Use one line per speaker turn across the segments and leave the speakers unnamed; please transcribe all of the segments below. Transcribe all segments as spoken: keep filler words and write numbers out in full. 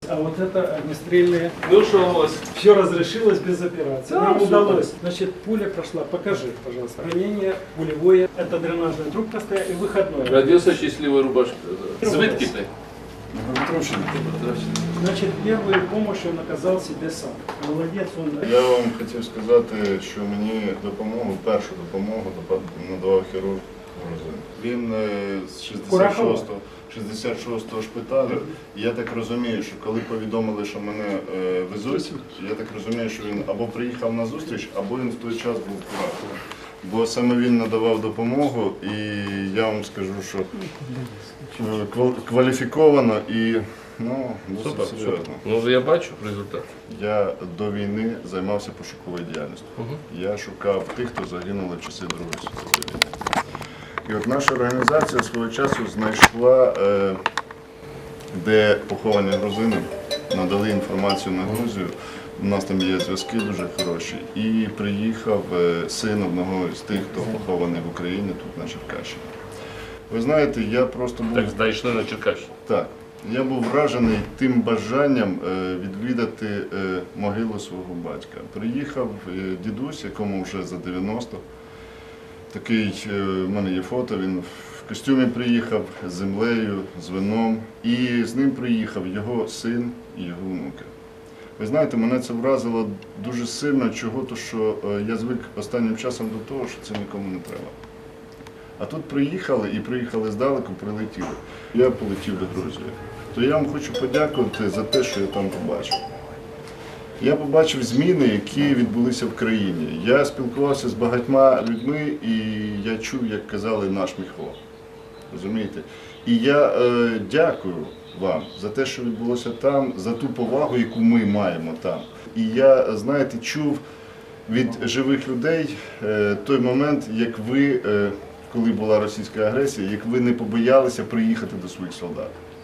а вот это огнестрельные.
Ну что у вас?
Все разрешилось без операции.
Да,
Нам
супер.
удалось. Значит, пуля прошла. Покажи, пожалуйста. Ранение пулевое. Это дренажная трубка стоит и выходной.
Родился счастливой рубашкой. Звідки ти?
Значит, первую помощь он оказал себе сам. Молодец он.
Я вам хотів сказати, що мені допомогу, першу допомогу надавав хірург Грузин. Він е, з шістдесят шостого, шістдесят шостого шпиталю. І я так розумію, що коли повідомили, що мене е, везуть, я так розумію, що він або приїхав на зустріч, або він в той час був куратором. Бо саме він надавав допомогу, і я вам скажу, що е, квал- кваліфіковано і ну, досить
Супер,
серйозно.
супер. Ну я бачу результат.
Я до війни займався пошуковою діяльністю. Я шукав тих, хто загинули в часи Другої світової війни. І от наша організація свого часу знайшла, е, де поховані грузини, надали інформацію на Грузію. У нас там є зв'язки дуже хороші. І приїхав е, син одного з тих, хто похований в Україні, тут на Черкащині. Ви знаєте, я просто був...
Так знайшли на Черкащині.
Так. Я був вражений тим бажанням е, відвідати е, могилу свого батька. Приїхав е, дідусь, якому вже за дев'яносто. Такий, е, в мене є фото, він в костюмі приїхав з землею, з вином. І з ним приїхав його син і його внуки. Ви знаєте, мене це вразило дуже сильно, чого, то що е, я звик останнім часом до того, що це нікому не треба. А тут приїхали і приїхали здалеку, прилетіли. Я полетів до Грузії. То я вам хочу подякувати за те, що я там побачив. Я побачив зміни, які відбулися в країні. Я спілкувався з багатьма людьми і я чув, як казали, наш Міхо. Розумієте? І я е, дякую вам за те, що відбулося там, за ту повагу, яку ми маємо там. І я, знаєте, чув від живих людей е, той момент, як ви... Е, коли була російська агресія, як ви не побоялися приїхати до своїх солдат.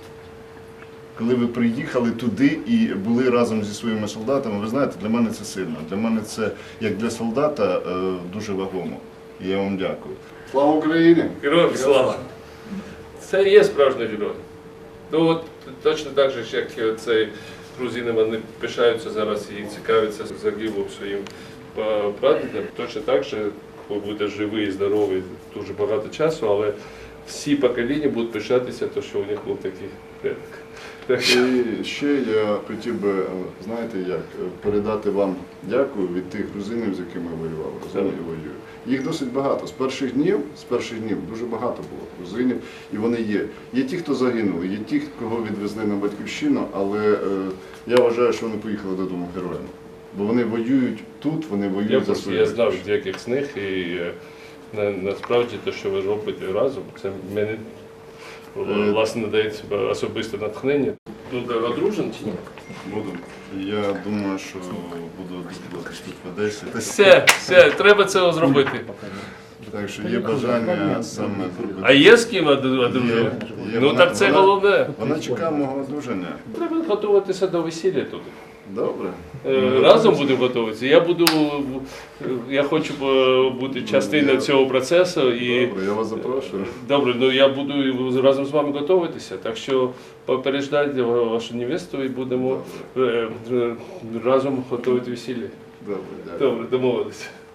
Коли ви приїхали туди і були разом зі своїми солдатами, ви знаєте, для мене це сильно. Для мене це, як для солдата, дуже вагомо. І я вам дякую. Слава Україні!
Героям слава! Це є справжній герой. Ну от точно так же, як цей грузини, вони пишаються зараз і цікавляться загиблим своїм прадідом, точно так же, ви будете живі і здорові дуже багато часу, але всі покоління будуть пишатися, то, що у них був такий предок.
І ще я хотів би, знаєте як, передати вам дякую від тих грузинів, з якими воювали, розумію, і воюю. Їх досить багато. З перших днів, з перших днів дуже багато було грузинів, і вони є. Є ті, хто загинули, є ті, кого відвезли на батьківщину, але е, я вважаю, що вони поїхали додому героями. Бо вони воюють тут, вони воюють
я
за свою.
Я знав деяких з них, і на, насправді те, що ви робите разом, це мені власне надає особисте натхнення. Ну, одружен чи ні?
Буду. Я думаю, що буду десь тут в Одесі.
Все, все, треба це зробити.
Так що є бажання саме зробити.
А є з ким одружувати? Ну
вона,
так це
вона,
головне.
Вона чекає мого одруження.
Треба готуватися до весілля тут.
Добре.
Разом будемо готуватися. Я буду, я хочу бути частиною цього процесу. І...
Добре, я вас запрошую.
Добре, ну я буду разом з вами готуватися, так що попереджайте вашу невесту і будемо Добре. разом готувати весілля.
Добре, дякую.
Добре, домовилися.